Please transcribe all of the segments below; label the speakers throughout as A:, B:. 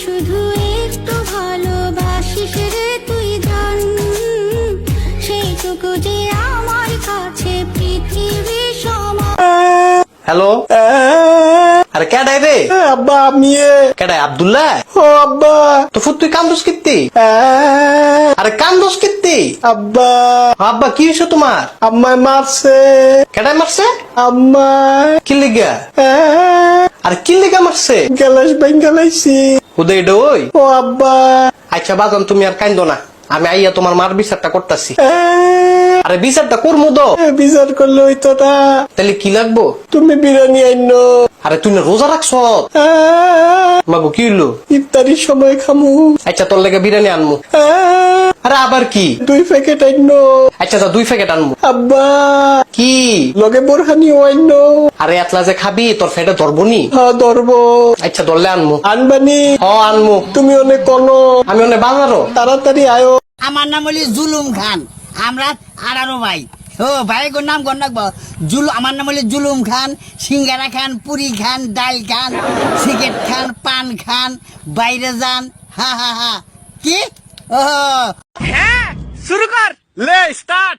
A: শুধু একটু ভালোবাসিস রে তুই জান, সেইটুকু যে আমার কাছে পৃথিবী সমান।
B: হ্যালো, আরে কেডাই রে?
C: আব্বা আমি
B: কেডাই? আব্দুল্লাহ?
C: ও আব্বা
B: তো ফুট তুই কান্দোস কিত্তি? আরে কান্দোস কিত্তি?
C: আব্বা
B: আব্বা কি হয়েছে তোমার?
C: আম্মায় মারছে।
B: কেডাই মারছে?
C: আম্মায়
B: কি লিগা? আরে কি লিগা মারছে?
C: গ্যালাস বেঙ্গালাইছি।
B: হুদে ওই।
C: ও আব্বা
B: আচ্ছা বাদন, তুমি আর কান্দো না, আমি আইয়া তোমার মার বিচারটা করতেছি। আরে বিচারটা করমু তো।
C: বিচার করলে হইতো না,
B: তাহলে কি লাগবো?
C: তুমি বিরিয়ানি আইনো।
B: আরে তুই না রোজা রাখছ? মাগো কি হইলো?
C: ইফতারির সময় খামু।
B: আচ্ছা তোর লেগে বিরিয়ানি আনমু। আরে আবার কি?
C: 2 প্যাকেট আইনো।
B: আচ্ছা তা 2 প্যাকেট আনমু।
C: আব্বা
B: কি?
C: লগে বোরহানিও আইনো।
B: আরে এতলা যে খাবি তোর ফেটে ধরবনি।
C: হ্যাঁ ধরবো।
B: আচ্ছা ধরলে আনমু।
C: আনবানি?
B: আনমু।
C: তুমি অনেক কোনো
B: আমি অনেক বাজারও।
C: তাড়াতাড়ি আয়ো।
D: আমার নাম হলি জুলুম খান, আমরা 18 ভাই। ও ভাই গোর নাম গণ রাখবো। আমার নাম হলি জুলুম খান, সিঙ্গারা খান, পুরি খান, ডাল খান, সিগারেট খান, পান খান, বাইরে যান। হা হা হা। কি? ও
E: হ্যাঁ শুরু কর, লে স্টার্ট।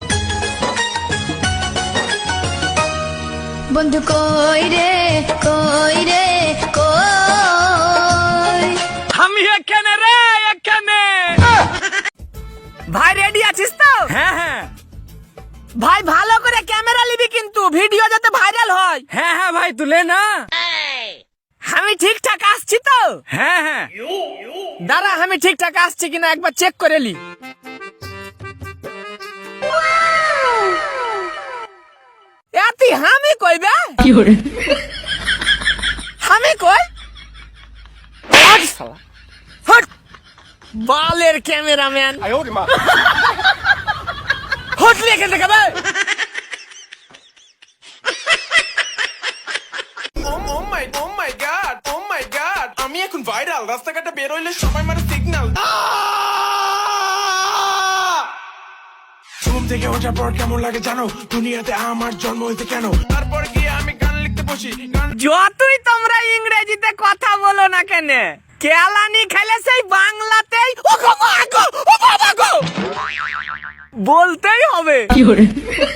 A: বন্ধু কই রে কই রে কই,
E: আমি এখানে রে, এখানে। ভাই রেডি আছিস তো? হ্যাঁ হ্যাঁ ভাই, ভালো করে ক্যামেরা নিবি কিন্তু, ভিডিও যাতে ভাইরাল হয়। হ্যাঁ হ্যাঁ ভাই তুলে না। আমি ঠিকঠাক আসছি তো? হ্যাঁ হ্যাঁ দাঁড়া, আমি ঠিকঠাক আসছি কিনা একবার চেক করে লি। এতি আমি কইবে আমি কই হট শালা, হট বালের ক্যামেরাম্যান। হট লিখে দেখাবে।
F: আমি এখন ভাইরাল, রাস্তাঘাটে বের হইলে সবাই মারে সিগন্যাল। ঘুম থেকে ওঠার পর কেমন লাগে জানো, দুনিয়াতে আমার জন্ম হইতে কেন। তারপর গিয়ে আমি গান লিখতে বসি।
E: যতই তোমরা ইংরেজিতে কথা বলো না কেন, কেলানি খেলে সেই বাংলাতেই ও গো মা গো, ও বাবা গো বলতেই হবে।